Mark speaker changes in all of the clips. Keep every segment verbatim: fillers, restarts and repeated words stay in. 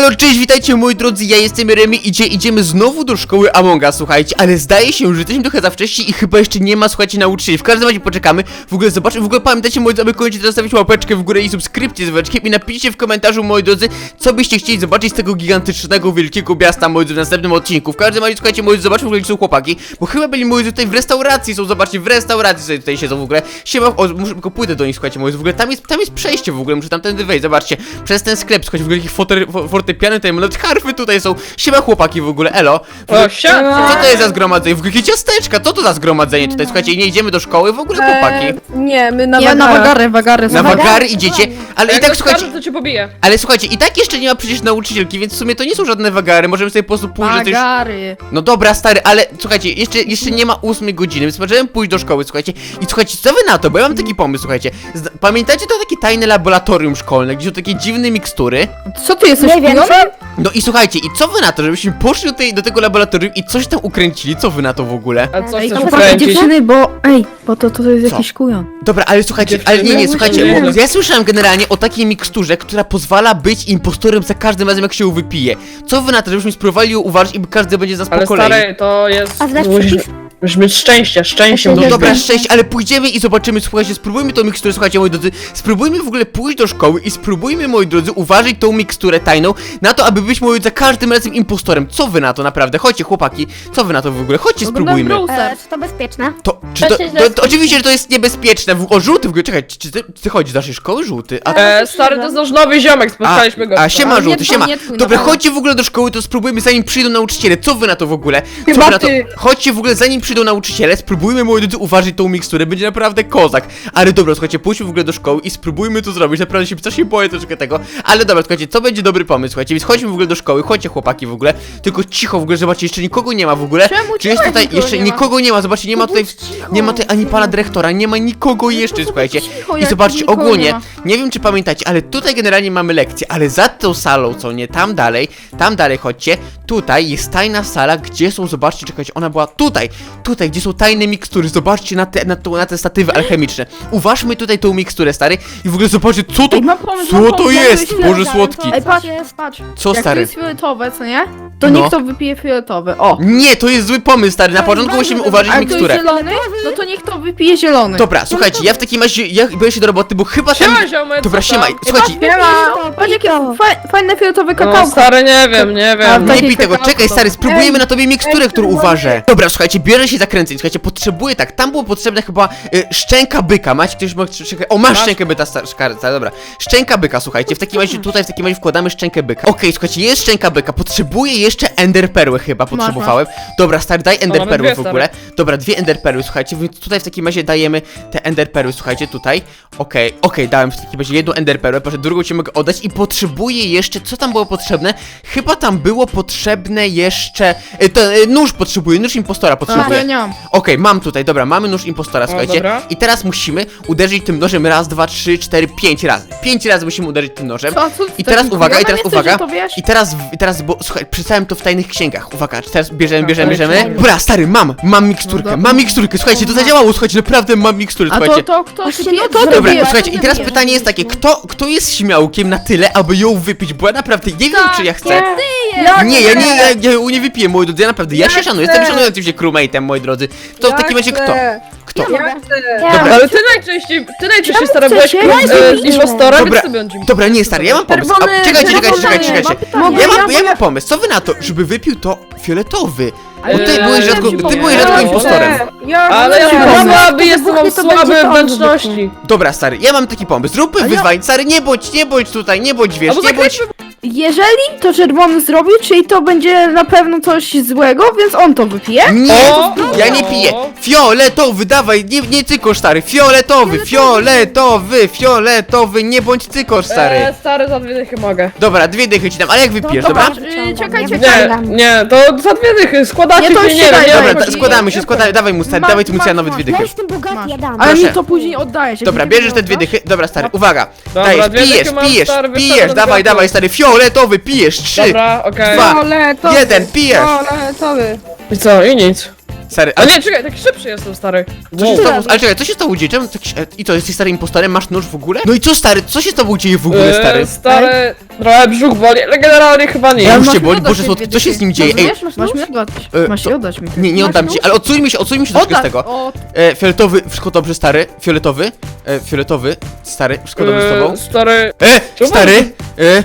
Speaker 1: Elo, cześć, witajcie moi drodzy, ja jestem Remy, idzie, idziemy znowu do szkoły Among Us, słuchajcie, ale zdaje się, że jesteśmy trochę za wcześnie i chyba jeszcze nie ma, słuchajcie, nauczycieli. W każdym razie poczekamy, w ogóle zobaczmy, w ogóle pamiętajcie moi drodzy, aby koniecznie zostawić łapeczkę w górę i subskrypcję z dzwoneczkiem i napiszcie w komentarzu, moi drodzy, co byście chcieli zobaczyć z tego gigantycznego, wielkiego miasta, moi drodzy, w następnym odcinku. W każdym razie, słuchajcie, moi drodzy, zobaczmy, w ogóle, gdzie są chłopaki, bo chyba byli, moi drodzy, tutaj w restauracji, są, zobaczcie, w restauracji sobie tutaj siedzą w ogóle. Siema, o, muszę tylko pójdę do nich, słuchajcie, moi drodzy, w ogóle tam jest, tam jest przejście w ogóle, muszę tamtędy wejść, zobaczcie, przez ten sklep, słuchajcie, w ogóle jakieś foter, fortepiany, tutaj nawet harfy tutaj są. Siema chłopaki w ogóle, elo. W ogóle,
Speaker 2: O, siema.
Speaker 1: co to jest za zgromadzenie? W ogóle jakie ciasteczka, co to za zgromadzenie tutaj? Słuchajcie, nie idziemy do szkoły w ogóle, chłopaki.
Speaker 3: Eee, nie, my na
Speaker 4: Ja na
Speaker 3: wagary.
Speaker 4: wagary, wagary.
Speaker 1: Na
Speaker 4: są.
Speaker 1: wagary idziecie, ale i
Speaker 2: Jak
Speaker 1: tak
Speaker 2: go
Speaker 1: słuchajcie,
Speaker 2: skarżę, to cię pobiję.
Speaker 1: ale słuchajcie, i tak jeszcze nie ma przecież nauczycielki, więc w sumie to nie są żadne wagary, możemy sobie po prostu pójść, że coś...
Speaker 4: Wagary.
Speaker 1: No dobra, stary, ale słuchajcie, jeszcze, jeszcze nie ma ósmej godziny, więc możemy pójść do szkoły, słuchajcie. I słuchajcie, co wy na to? Bo ja mam taki pomysł, słuchajcie. Zna- Pamiętacie to takie tajne laboratorium szkolne, gdzie są takie dziwne mikstury?
Speaker 4: Co ty jesteś
Speaker 3: Nie wiem,
Speaker 4: pijany?
Speaker 1: No i słuchajcie, i co wy na to, żebyśmy poszli do, tej, do tego laboratorium i coś tam ukręcili? Co wy na to w ogóle?
Speaker 2: A co
Speaker 4: Ej,
Speaker 2: chcesz
Speaker 4: chłopaki,
Speaker 2: ukręcić?
Speaker 4: dziewczyny, bo... Ej, bo to, to jest
Speaker 1: Co?
Speaker 4: jakiś kujon.
Speaker 1: Dobra, ale słuchajcie, ale nie, nie, słuchajcie,
Speaker 2: Nie.
Speaker 1: bo ja słyszałem generalnie o takiej miksturze, która pozwala być impostorem za każdym razem, jak się ją wypije. Co wy na to, żebyśmy spróbowali ją uważać i każdy będzie z nas
Speaker 2: Ale
Speaker 1: po kolei?
Speaker 2: stary, to jest...
Speaker 3: A znasz
Speaker 2: musisz,
Speaker 3: przepis?
Speaker 2: musisz mieć szczęście, szczęście
Speaker 3: No
Speaker 1: No
Speaker 2: musisz
Speaker 1: dobra,
Speaker 2: mieć.
Speaker 1: szczęść, ale pójdziemy i zobaczymy, słuchajcie, spróbujmy tą miksturę, słuchajcie, moi drodzy, spróbujmy w ogóle pójść do szkoły i spróbujmy, moi drodzy, uważać tą miksturę tajną na to, aby być, moi drodzy, za każdym razem impostorem. Co wy na to naprawdę? Chodźcie, chłopaki, co wy na to w ogóle? Chodźcie, spróbujmy.
Speaker 3: Eee, czy to bezpieczne?
Speaker 1: To, czy to, to, to oczywiście, że to jest niebezpieczne. W- O, żółty w ogóle, czekaj, czy ty, ty chodzisz do naszej szkoły, żółty? A,
Speaker 2: E, stary, to jest nasz nowy ziomek,
Speaker 1: a,
Speaker 2: spotkaliśmy go.
Speaker 1: a siema,
Speaker 4: Ale nie
Speaker 1: żółty,
Speaker 4: twój,
Speaker 1: siema.
Speaker 4: nie twój,
Speaker 1: Dobra,
Speaker 4: naprawdę.
Speaker 1: chodźcie w ogóle do szkoły, to spróbujmy, zanim przyjdą nauczyciele. Co wy na to w ogóle? Co
Speaker 2: Chyba
Speaker 1: wy na to?
Speaker 2: ty.
Speaker 1: Chodźcie w ogóle, zanim przyjdą nauczyciele, spróbujmy, moi drodzy, uważać tą miksturę. Będzie naprawdę kozak. Ale dobra, słuchajcie, pójdźmy w ogóle do szkoły i spróbujmy to zrobić. Naprawdę się strasznie boję troszkę tego. Ale dobra, słuchajcie, co będzie dobry pomysł, słuchajcie, więc chodźmy w ogóle do szkoły, chodźcie chłopaki w ogóle. Tylko cicho w ogóle, zobaczcie, jeszcze nikogo nie ma w ogóle.
Speaker 4: Czemu
Speaker 1: Czy jest
Speaker 4: cicho,
Speaker 1: tutaj,
Speaker 4: nikogo
Speaker 1: jeszcze
Speaker 4: nie ma?
Speaker 1: nikogo nie ma, zobaczcie, nie ma tutaj,
Speaker 4: bądź cicho.
Speaker 1: nie ma tutaj ani pana dyrektora, nie ma nikogo jeszcze, słuchajcie.
Speaker 4: cicho,
Speaker 1: I
Speaker 4: jak
Speaker 1: zobaczcie,
Speaker 4: nikogo
Speaker 1: ogólnie,
Speaker 4: nie ma.
Speaker 1: nie wiem czy pamiętacie, ale tutaj generalnie mamy lekcję, ale za tą salą, co nie, tam dalej, tam dalej chodźcie, tutaj jest tajna sala, gdzie są, zobaczcie, czekajcie, ona była tutaj, tutaj, gdzie są tajne mikstury, zobaczcie na te, na, to, na te statywy alchemiczne. Uważmy tutaj tą miksturę, stary, i w ogóle zobaczcie, co to,
Speaker 4: Ej, mam pomysł,
Speaker 1: co
Speaker 4: mam
Speaker 1: to
Speaker 4: pomysł,
Speaker 1: jest,
Speaker 4: mam
Speaker 1: Boże
Speaker 4: pomysł.
Speaker 1: słodki.
Speaker 4: Ej, patrz,
Speaker 3: jest?
Speaker 4: patrz.
Speaker 1: Co,
Speaker 4: Jak to
Speaker 1: stary?
Speaker 4: jest fioletowe, co nie? To
Speaker 1: No.
Speaker 4: niech to wypije fioletowe. O.
Speaker 1: Nie, to jest zły pomysł, stary, na
Speaker 3: To jest
Speaker 1: początku
Speaker 3: bardzo
Speaker 1: musimy
Speaker 3: dobry.
Speaker 1: uważać
Speaker 4: A jak to jest
Speaker 1: miksturę.
Speaker 4: zielony, no to niech to wypije zielony.
Speaker 1: Dobra, słuchajcie, ja w takim razie, ja biorę się do roboty, bo chyba tam...
Speaker 2: Siema, ziomek,
Speaker 1: Dobra,
Speaker 2: co tam?
Speaker 1: siema, słuchajcie,
Speaker 4: Siema. Patrz jakie fa fajne fioletowe
Speaker 2: No,
Speaker 4: kakao.
Speaker 2: stary, nie wiem, nie
Speaker 4: A,
Speaker 2: wiem.
Speaker 4: tak-
Speaker 1: nie
Speaker 4: Takie
Speaker 1: pij tego,
Speaker 4: kakao.
Speaker 1: czekaj stary, spróbujemy
Speaker 4: Ej,
Speaker 1: na tobie miksturę,
Speaker 3: ej,
Speaker 1: którą
Speaker 3: spróbuję.
Speaker 1: uważę. Dobra, słuchajcie, bierze się zakręceń, słuchajcie, potrzebuję tak, tam było potrzebne chyba y, szczęka byka, macie ktoś ma, czekaj, o masz
Speaker 2: Masz.
Speaker 1: szczękę byka, star, szkarca, dobra, szczęka byka, słuchajcie, w takim razie, tutaj w takim razie wkładamy szczękę byka. Okej, słuchajcie, jest szczęka byka, potrzebuję jeszcze ender perły chyba, potrzebowałem. Dobra, stary, daj ender
Speaker 2: mamy
Speaker 1: perły
Speaker 2: dwie,
Speaker 1: w ogóle. Dobra, dwie ender perły, słuchajcie, więc tutaj w takim razie dajemy te ender perły, słuchajcie, tutaj. Okej, okej, dałem w takim razie jedną ender perłę, proszę, drugą ci mogę oddać i potrzebuję jeszcze, co tam było potrzebne? Chyba tam było potrzebne jeszcze, y, to, y, nóż potrzebuję, nóż impostora
Speaker 4: A, to
Speaker 1: potrzebuję.
Speaker 4: ja nie mam.
Speaker 1: Okej, mam tutaj, dobra, mamy nóż impostora, słuchajcie.
Speaker 2: dobra.
Speaker 1: I teraz musimy uderzyć tym nożem raz, dwa, trzy, cztery, pięć razy. Pięć razy musimy uderzyć tym nożem.
Speaker 4: Co, co ty
Speaker 1: I teraz
Speaker 4: takim
Speaker 1: uwaga, i
Speaker 4: kujonem
Speaker 1: teraz
Speaker 4: jesteś,
Speaker 1: uwaga.
Speaker 4: że to wiesz?
Speaker 1: I teraz, i teraz, bo słuchaj, przeczytałem to w tajnych księgach. Uwaga, teraz bierzemy, bierzemy,
Speaker 2: Okej,
Speaker 1: bierzemy.
Speaker 2: dobra.
Speaker 1: Dobra, stary, mam, mam miksturkę,
Speaker 4: No do-
Speaker 1: mam miksturkę, słuchajcie, to zadziałało, słuchajcie, naprawdę mam miksturkę,
Speaker 4: A to,
Speaker 1: słuchajcie.
Speaker 4: to kto
Speaker 3: Właśnie,
Speaker 4: wypije?
Speaker 3: no
Speaker 4: To
Speaker 3: dobra,
Speaker 4: ty
Speaker 1: Dobra,
Speaker 4: pijesz.
Speaker 1: słuchajcie, i teraz
Speaker 3: Wiem,
Speaker 1: pytanie jest takie, kto, kto jest śmiałkiem na tyle, aby ją wypić, bo ja naprawdę nie wiem, czy ja chcę.
Speaker 4: Jak
Speaker 1: Nie, ja nie, ja, ja ją nie wypiję, moi drodzy, ja naprawdę, ja,
Speaker 2: Ja
Speaker 1: się szanuję,
Speaker 2: chcę.
Speaker 1: jestem szanującym się crewmate'em, moi drodzy. To w takim razie kto? Kto?
Speaker 2: Ja chcę.
Speaker 1: Dobra.
Speaker 2: Ale ty najczęściej, ty najczęściej stary
Speaker 4: chcecie?
Speaker 2: byłeś
Speaker 4: Ja
Speaker 2: e, z
Speaker 3: jestem
Speaker 2: impostorem,
Speaker 1: Dobra,
Speaker 2: więc ty będziesz.
Speaker 1: Dobra, nie, stary, ja mam pomysł. A,
Speaker 4: Czerwony-
Speaker 1: czekajcie, czekajcie,
Speaker 4: czerwony,
Speaker 1: czekajcie,
Speaker 4: mam
Speaker 1: czekajcie.
Speaker 4: pytanie.
Speaker 1: Ja mam,
Speaker 4: Mogę
Speaker 1: ja
Speaker 4: ja-
Speaker 1: mam pomysł, co wy na to, żeby wypił to fioletowy? Bo
Speaker 2: Ale
Speaker 1: ty
Speaker 2: ja
Speaker 1: byłeś
Speaker 2: ci
Speaker 1: rzadko, ty
Speaker 2: powiem.
Speaker 1: byłeś rzadko
Speaker 2: Ja
Speaker 1: impostorem.
Speaker 2: Ale ja
Speaker 4: Ja
Speaker 2: mam
Speaker 4: mam
Speaker 2: słaby, jestem, mam
Speaker 3: to będzie
Speaker 2: słabe
Speaker 3: to
Speaker 2: wnętrzności.
Speaker 1: Dobra, stary, ja mam taki pomysł. Zróbmy
Speaker 4: Ale ja-
Speaker 1: wyzwań, stary, nie bądź, nie bądź tutaj, nie bądź, wiesz,
Speaker 2: Albo
Speaker 1: nie bądź...
Speaker 2: zakręćmy.
Speaker 4: Jeżeli to czerwony zrobił, czyli to będzie na pewno coś złego, więc on to wypije.
Speaker 1: Nie,
Speaker 2: O!
Speaker 1: ja nie piję. Fioletowy, dawaj, nie, nie cykosz, stary. Fioletowy, fioletowy, fioletowy, nie bądź cykosz, stary.
Speaker 2: E, stary, za dwie dychy mogę.
Speaker 1: Dobra, dwie dychy ci dam, ale jak wypijesz,
Speaker 3: dobra.
Speaker 1: dobra?
Speaker 4: Yy, czekaj,
Speaker 3: Nie,
Speaker 4: czekaj.
Speaker 2: Nie, nie, to za dwie dychy, składacie
Speaker 4: Nie, to
Speaker 2: się,
Speaker 4: już
Speaker 2: nie
Speaker 4: się
Speaker 2: wiem,
Speaker 4: daj,
Speaker 2: nie
Speaker 4: daj,
Speaker 1: Dobra,
Speaker 2: wiem.
Speaker 1: da, składamy się, składamy, dawaj mu, stary,
Speaker 4: Masz,
Speaker 1: dawaj tu
Speaker 4: masz,
Speaker 1: nowe
Speaker 4: masz.
Speaker 1: dwie
Speaker 3: Ja
Speaker 1: dychy.
Speaker 3: jestem bogaty,
Speaker 4: Masz.
Speaker 3: ja dam.
Speaker 4: Ale
Speaker 1: Proszę.
Speaker 4: mi to później oddajesz. jak
Speaker 1: Dobra,
Speaker 4: mi to
Speaker 1: bierzesz te dwie
Speaker 4: oddasz.
Speaker 1: dychy, dobra, stary, uwaga.
Speaker 2: Dobra,
Speaker 1: Dajesz,
Speaker 2: dwie dychy
Speaker 1: pijesz,
Speaker 2: mam,
Speaker 1: pijesz,
Speaker 2: stary,
Speaker 1: pijesz,
Speaker 2: wystawiam
Speaker 1: dawaj,
Speaker 2: do
Speaker 1: dawaj, stary, fioletowy, pijesz, trzy,
Speaker 2: Dobra, okej.
Speaker 1: Dwa.
Speaker 4: Fioletowy.
Speaker 1: jeden, pijesz.
Speaker 4: Fioletowy.
Speaker 2: I co, i nic.
Speaker 1: Stary,
Speaker 2: A
Speaker 1: ale...
Speaker 2: nie, czekaj, taki szybszy jestem, stary.
Speaker 1: Co się
Speaker 2: Wow.
Speaker 1: stało? Ale czekaj, co się stało dzieje? Czemu tak się... I to, jesteś starym impostorem? Masz nóż w ogóle? No i co stary? Co się z tobą dzieje w ogóle, stary?
Speaker 2: Eee, stary, trochę brzuch boli, ale generalnie chyba nie.
Speaker 1: Ja
Speaker 4: Ale
Speaker 1: już
Speaker 4: masz
Speaker 1: cię
Speaker 4: mi
Speaker 1: boli,
Speaker 4: oddać
Speaker 1: Boże
Speaker 4: te
Speaker 1: słodki,
Speaker 4: dwie
Speaker 1: co się z nim dzieje? Ej,
Speaker 4: Masz, masz mi oddać.
Speaker 1: E,
Speaker 4: Masz
Speaker 1: to-
Speaker 4: mi oddać mi.
Speaker 1: nie, nie
Speaker 4: Masz
Speaker 1: oddam
Speaker 4: nóż?
Speaker 1: ci, ale odsuńmy się, odsuńmy się troszkę z
Speaker 4: Oddaj.
Speaker 1: tego.
Speaker 4: O,
Speaker 1: E, fioletowy, wszystko dobrze, stary? Fioletowy? E, fioletowy, stary, wszystko dobrze z tobą?
Speaker 2: Eee, stary...
Speaker 1: E,
Speaker 2: czemu-
Speaker 1: stary! E, e,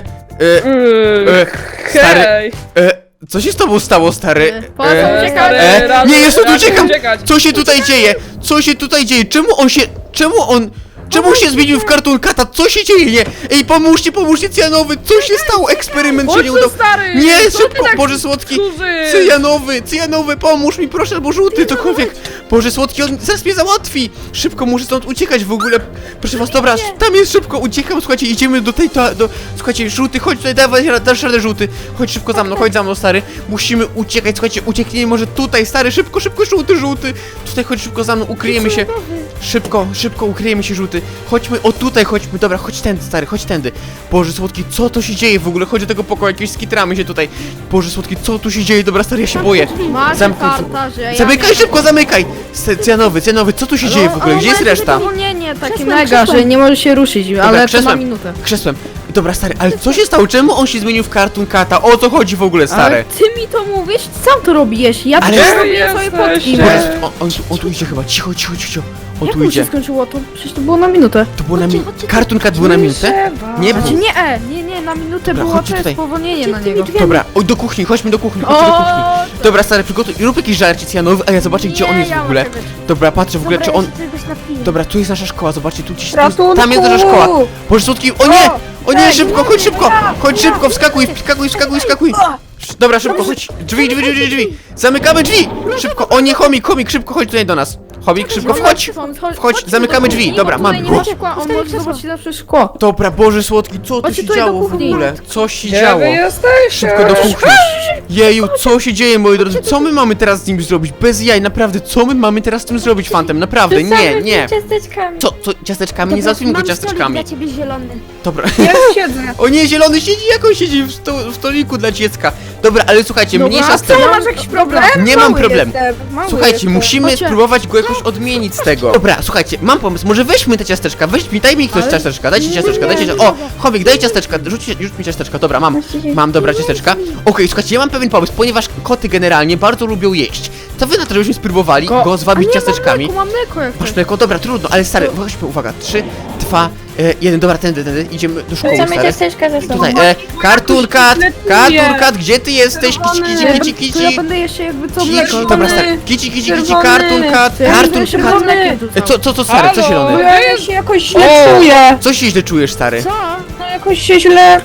Speaker 2: Eee,
Speaker 1: e, stary,
Speaker 2: hej.
Speaker 1: e, co się z tobą stało, stary?
Speaker 4: E, po co
Speaker 1: E,
Speaker 4: uciekać?
Speaker 2: stary,
Speaker 1: E,
Speaker 2: radzę-
Speaker 1: nie, jest tu,
Speaker 2: radzę
Speaker 1: uciekam!
Speaker 2: uciekać.
Speaker 1: Co się tutaj dzieje? Co się tutaj dzieje? Czemu on się... Czemu on... Czemu się zmienił w Cartoon Cata? Co się dzieje? Nie! Ej, pomóżcie, pomóżcie, cyjanowy! Co się stało? Eksperyment się
Speaker 2: Chodź
Speaker 1: nie
Speaker 2: tu,
Speaker 1: udał.
Speaker 2: stary!
Speaker 1: Nie,
Speaker 2: Co ty
Speaker 1: szybko,
Speaker 2: tak
Speaker 1: Boże słodki!
Speaker 2: służysz?
Speaker 1: Cyjanowy, cyjanowy, pomóż mi, proszę, albo żółty, cokolwiek. Boże słodki, on zaraz mnie załatwi. Szybko, muszę stąd uciekać w ogóle. Proszę was, dobra, tam jest szybko, uciekam, słuchajcie, idziemy do tej, to, do... Słuchajcie, żółty, chodź tutaj, dawaj, dasz radę, żółty. Chodź szybko za mną, chodź za mną, stary. Musimy uciekać, słuchajcie, uciekniemy może tutaj, stary, szybko, szybko, żółty, żółty. Tutaj, chodź szybko za mną, ukryjemy się. Szybko, szybko, ukryjemy się, żółty. Chodźmy, o tutaj chodźmy, dobra, chodź tędy, stary, chodź tędy. Boże słodki, co to się dzieje w ogóle? Chodź do tego pokoju, jakieś skitramy się tutaj. Boże słodki, co tu się dzieje? Dobra, stary, ja się boję.
Speaker 4: Masz
Speaker 1: Zamknij
Speaker 4: karta, że ja
Speaker 1: Zamykaj
Speaker 4: nie-
Speaker 1: szybko, zamykaj! S- Cyjanowy, cyjanowy, co tu się dzieje w ogóle?
Speaker 4: Ale
Speaker 1: Gdzie jest
Speaker 4: ma
Speaker 1: reszta?
Speaker 4: spowolnienie takie
Speaker 3: Krzesłem,
Speaker 4: mega,
Speaker 3: krzesłem.
Speaker 4: że nie może się ruszyć, ale to ma
Speaker 1: krzesłem.
Speaker 4: minutę.
Speaker 1: Krzesłem. Dobra, stary, ale co się stało? Czemu on się zmienił w Cartoon Cata? O co chodzi w ogóle,
Speaker 4: Ale
Speaker 1: stary?
Speaker 4: ty mi to mówisz, sam to robisz, ja
Speaker 1: Ale-
Speaker 4: też
Speaker 1: Gdzie
Speaker 4: robię swoje
Speaker 2: jesteś?
Speaker 4: fotki.
Speaker 1: Boże, on, on, on tu idzie chyba, cicho, cicho, cicho. On
Speaker 4: Jak
Speaker 1: tu
Speaker 4: mu się
Speaker 1: idzie.
Speaker 4: skończyło to? Przecież to było na minutę.
Speaker 1: To było na
Speaker 3: Chodźcie,
Speaker 1: minutę.
Speaker 3: chodźcie,
Speaker 1: Cartoon Cat było na minutę? Nie
Speaker 4: Znaczy
Speaker 1: było.
Speaker 4: nie, e, nie, nie, na minutę
Speaker 1: Dobra,
Speaker 4: było
Speaker 1: chodźcie
Speaker 4: to
Speaker 1: tutaj.
Speaker 4: spowolnienie na
Speaker 3: Tymi
Speaker 4: niego.
Speaker 3: drzwiami.
Speaker 1: Dobra, oj, do kuchni, chodźmy do kuchni, chodźcie do kuchni. Dobra, stary, przygotuj, rób jakiś żarcie cyjanowy, a ja zobaczę, gdzie on jest w ogóle. Dobra, patrzę w ogóle, czy on... Dobra, tu jest nasza szkoła, zobaczcie, tu gdzieś... Tu jest, tam jest nasza szkoła. Boże słodki, o nie! O nie, szybko, chodź szybko! Chodź szybko, wskakuj, wskakuj, wskakuj, wskakuj! Dobra, szybko, chodź! Drzwi, drzwi, drzwi, drzwi! Zamykamy drzwi! Szybko, o nie, chomik, chomik, szybko, chodź tutaj do nas! Chomik, szybko, wchodź! Wchodź, zamykamy drzwi, dobra, mamy
Speaker 4: Nie
Speaker 1: go.
Speaker 4: ma szkła, on może zobaczyć zawsze szkło.
Speaker 1: Dobra, Boże słodki, co tu
Speaker 4: Chodźcie
Speaker 1: się
Speaker 4: tutaj do
Speaker 1: działo w
Speaker 4: kuchni.
Speaker 1: ogóle? Co się
Speaker 2: Gdzie
Speaker 1: działo?
Speaker 2: wy jesteście?
Speaker 1: Szybko do kuchni. Jeju, co się dzieje, moi drodzy? Co my mamy teraz z nim zrobić? Bez jaj, naprawdę, co my mamy teraz z tym zrobić, Fantem? Naprawdę, nie, nie.
Speaker 3: Ciasteczkami.
Speaker 1: Co, co, ciasteczkami? Nie załatwimy go
Speaker 3: Mam
Speaker 1: ciasteczkami.
Speaker 3: stolik dla ciebie zielony.
Speaker 1: Dobra.
Speaker 2: Ja siedzę.
Speaker 1: O nie, zielony siedzi, jak on siedzi w, sto, w stoliku dla dziecka. Dobra, ale słuchajcie, mniejsza z tym.
Speaker 4: Co, masz jakiś problem?
Speaker 1: Nie mam
Speaker 4: Mały
Speaker 1: problemu.
Speaker 4: jestem, mały
Speaker 1: Słuchajcie,
Speaker 4: jestem.
Speaker 1: musimy
Speaker 4: Chodźcie.
Speaker 1: spróbować go jakoś odmienić z tego. Dobra, słuchajcie, mam pomysł, może weźmy te ciasteczka, weź mi, daj mi ktoś
Speaker 4: Ale-
Speaker 1: ciasteczka, dajcie
Speaker 3: Nie,
Speaker 1: ciasteczka,
Speaker 3: nie,
Speaker 1: dajcie
Speaker 3: nie,
Speaker 1: ciasteczka. O,
Speaker 3: nie.
Speaker 1: Chowik, daj ciasteczka, rzuć, rzuć mi ciasteczka, dobra, mam, mam, dobra, ciasteczka. Okej, słuchajcie, ja mam pewien pomysł, ponieważ koty generalnie bardzo lubią jeść. Co wy na to, żebyśmy spróbowali
Speaker 2: Ko-
Speaker 1: go
Speaker 4: A
Speaker 1: zwabić
Speaker 4: nie,
Speaker 1: ciasteczkami?
Speaker 4: Mam mleko, mam mleko jak
Speaker 1: Masz
Speaker 4: chcesz.
Speaker 1: mleko, dobra, trudno, ale stary, weźmy, uwaga, trzy, dwa, e, jeden, dobra, tędy, tędy, idziemy do szkoły,
Speaker 3: Chcemy
Speaker 1: stary.
Speaker 3: ciasteczka ze sobą.
Speaker 1: Tutaj, e, Cartoon Cat, Cartoon Cat, gdzie ty jesteś? Kici, kici,
Speaker 4: Nie,
Speaker 1: kici,
Speaker 4: To ja
Speaker 1: kici.
Speaker 4: będę jeszcze jakby co
Speaker 1: Kici,
Speaker 4: mleko.
Speaker 1: dobra, stary, kici, kici, kici,
Speaker 2: Czerwony.
Speaker 1: Cartoon Cat,
Speaker 4: Ja
Speaker 1: Cartoon
Speaker 4: jeszcze
Speaker 1: Cat.
Speaker 4: mam mlekiem tu
Speaker 1: E, co, co, co, stary, co
Speaker 2: Halo?
Speaker 1: zielony?
Speaker 2: Ja
Speaker 5: się jakoś
Speaker 2: O!
Speaker 5: źle czuję.
Speaker 1: Co się źle czujesz, stary?
Speaker 4: Co?
Speaker 5: No jakoś się źle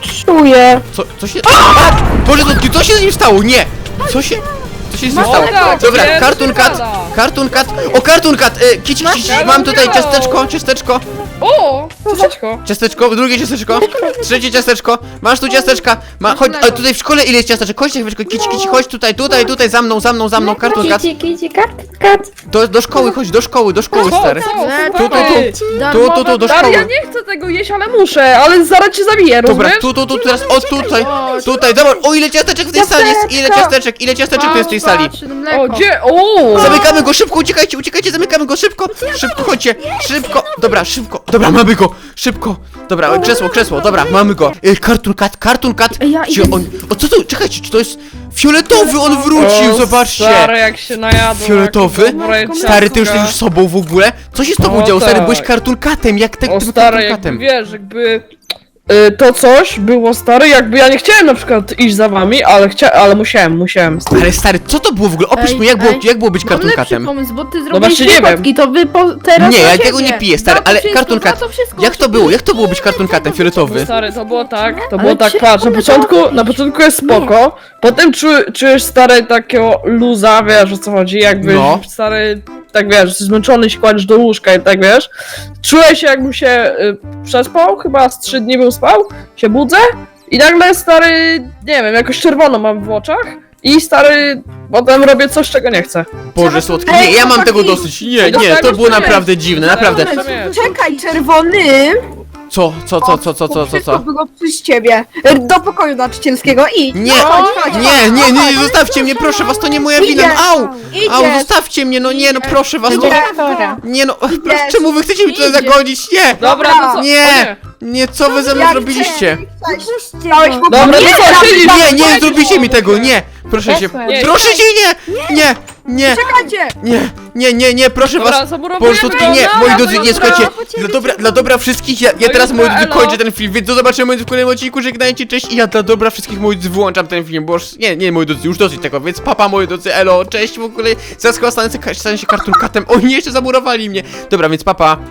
Speaker 5: czuję.
Speaker 1: Co, co się... A! Boże, co, co się z nim stało? Nie! Co się... Co się z nim stało?
Speaker 2: Woda,
Speaker 1: Dobra,
Speaker 2: gdzie?
Speaker 1: Cartoon Cat,
Speaker 2: Woda.
Speaker 1: Cartoon Cat, o Cartoon Cat, e, kici, kici,
Speaker 2: Ja
Speaker 1: mam
Speaker 2: bym
Speaker 1: tutaj
Speaker 2: miał.
Speaker 1: ciasteczko, ciasteczko,
Speaker 2: O! Ciasteczko.
Speaker 1: ciasteczko, drugie ciasteczko, trzecie ciasteczko, masz tu ciasteczka, ma, chodź, a tutaj w szkole ile jest ciasteczek, chodź, chwileczkę, kici, kici, chodź tutaj, tutaj, tutaj, za mną, za mną, za mną, Cartoon Cat,
Speaker 3: Kici, kici, kat, kat.
Speaker 1: do, do szkoły, chodź, do szkoły, do szkoły,
Speaker 2: Co,
Speaker 1: stary,
Speaker 2: co,
Speaker 1: tu, tu,
Speaker 2: stary?
Speaker 1: tu, tu, tu, do
Speaker 2: Stary, ja
Speaker 1: szkoły.
Speaker 2: nie chcę tego jeść, ale muszę, ale zaraz cię zabiję,
Speaker 1: Dobra,
Speaker 2: rozumiesz?
Speaker 1: tu, tu, tu, teraz, o tutaj, tutaj, zobacz, o ile ciasteczek w tej sali jest, ile ciasteczek, ile ciasteczek tu jest w tej sali.
Speaker 2: O, gdzie? O!
Speaker 1: Zamykamy go, szybko, uciekajcie, uciekajcie, zamykamy go, szybko, szybko, chodźcie, szybko, dobra, szybko, dobra, mamy go, szybko, dobra, krzesło, krzesło, dobra, mamy go. E, Cartoon Cat, Cartoon Cat,
Speaker 4: Ej, ja
Speaker 1: gdzie
Speaker 4: idę-
Speaker 1: on, o co to, czekajcie, czy to jest fioletowy, on wrócił,
Speaker 2: O,
Speaker 1: zobaczcie.
Speaker 2: Stary, jak się najadł.
Speaker 1: Fioletowy?
Speaker 2: jak dobre
Speaker 1: Stary, ty już
Speaker 2: ciastka.
Speaker 1: jesteś sobą w ogóle? Co się z tobą
Speaker 2: O,
Speaker 1: działo, stary,
Speaker 2: tak.
Speaker 1: byłeś Cartoon Catem, jak te,
Speaker 2: O
Speaker 1: tym
Speaker 2: stary,
Speaker 1: Cartoon
Speaker 2: jakby
Speaker 1: Catem?
Speaker 2: wiesz, jakby y, to coś było stary, jakby ja nie chciałem na przykład iść za wami, ale chcia ale musiałem, musiałem.
Speaker 1: Ale stary, co to było w ogóle, opisz
Speaker 4: Ej,
Speaker 1: mi, jak było,
Speaker 4: ej,
Speaker 1: jak było być
Speaker 4: Mam
Speaker 1: Cartoon
Speaker 4: lepszy
Speaker 1: Catem?
Speaker 4: pomysł, bo ty
Speaker 2: właśnie
Speaker 4: zrobiłeś
Speaker 2: nie
Speaker 4: dwie
Speaker 2: wiem.
Speaker 4: fotki, to wy po, teraz
Speaker 1: Nie,
Speaker 4: na
Speaker 1: ja
Speaker 4: siebie.
Speaker 1: tego nie piję, stary,
Speaker 4: Za to
Speaker 1: ale
Speaker 4: wszystko,
Speaker 1: Cartoon
Speaker 4: za
Speaker 1: Cat,
Speaker 4: to wszystko,
Speaker 1: jak to
Speaker 4: żeby-
Speaker 1: było, jak to było być Cartoon Catem fioletowy?
Speaker 2: Stary, to było tak, to
Speaker 4: Ale
Speaker 2: było tak,
Speaker 4: czy-
Speaker 2: patrz, na
Speaker 4: one
Speaker 2: początku,
Speaker 4: to-
Speaker 2: na początku jest spoko, potem czu, czujesz stary takiego luza, wiesz o co chodzi, jakby
Speaker 1: No.
Speaker 2: stary, tak wiesz, zmęczony się kładziesz do łóżka i tak wiesz, czuję się jakbym się y, przespał, chyba z trzy dni bym spał, się budzę i nagle stary, nie wiem, jakoś czerwono mam w oczach i stary, potem robię coś, czego nie chcę.
Speaker 1: Boże słodki,
Speaker 5: Ej,
Speaker 1: nie, ja mam
Speaker 5: chłopaki,
Speaker 1: tego dosyć, nie,
Speaker 2: do
Speaker 1: nie,
Speaker 2: tego
Speaker 1: to było
Speaker 2: co jest?
Speaker 1: naprawdę dziwne, naprawdę.
Speaker 2: Co jest?
Speaker 5: Czekaj, czerwony.
Speaker 1: Co, co, co, co, co, co, co,
Speaker 4: Wszystko
Speaker 1: co?
Speaker 4: było przez ciebie. E, Do pokoju nauczycielskiego, idź.
Speaker 1: Nie,
Speaker 4: chodź, chodź,
Speaker 1: nie, nie, nie, nie, zostawcie mnie, proszę was, to nie moja wina, au! Au,
Speaker 4: Idziesz.
Speaker 1: zostawcie mnie, no nie, no proszę was, to...
Speaker 5: Dyrektora.
Speaker 1: Nie no, proszę,
Speaker 4: Idziesz.
Speaker 1: czemu wy chcecie mi tutaj
Speaker 4: Idziesz.
Speaker 1: zagodzić? Nie!
Speaker 2: Dobra, no co? O
Speaker 1: Nie! Nie, co wy ze mną
Speaker 4: Jak
Speaker 1: zrobiliście?
Speaker 3: Puśćcie
Speaker 4: Dałeś
Speaker 3: go.
Speaker 4: mu
Speaker 2: Dobra,
Speaker 4: nie,
Speaker 2: to co, siedzisz?
Speaker 1: Nie, nie, zrobicie mi tego, nie! Proszę się,
Speaker 5: Jasne.
Speaker 2: Nie.
Speaker 1: proszę cię, nie! Nie, nie,
Speaker 4: Czekajcie!
Speaker 1: nie, nie, nie, nie, proszę
Speaker 2: Dobra,
Speaker 1: was! Po
Speaker 2: zamurowujemy
Speaker 1: prostu
Speaker 2: go,
Speaker 1: nie,
Speaker 2: no,
Speaker 1: moi
Speaker 2: no,
Speaker 1: drodzy, nie,
Speaker 2: dobra.
Speaker 1: słuchajcie, dla dobra, dla dobra wszystkich, ja, ja
Speaker 2: No
Speaker 1: teraz,
Speaker 2: i
Speaker 1: moi
Speaker 2: dobra,
Speaker 1: drodzy,
Speaker 2: elo.
Speaker 1: kończę ten film, więc do zobaczenia, moi drodzy, w kolejnym odcinku, żegnajcie, cześć i ja dla dobra wszystkich, moi drodzy, wyłączam ten film, bo już, nie, nie, moi drodzy, już dosyć tego, więc papa, moi drodzy, elo, cześć, w ogóle, zaraz chyba stanę, stanę się Cartoon Catem, o nie, jeszcze zamurowali mnie, dobra, więc papa.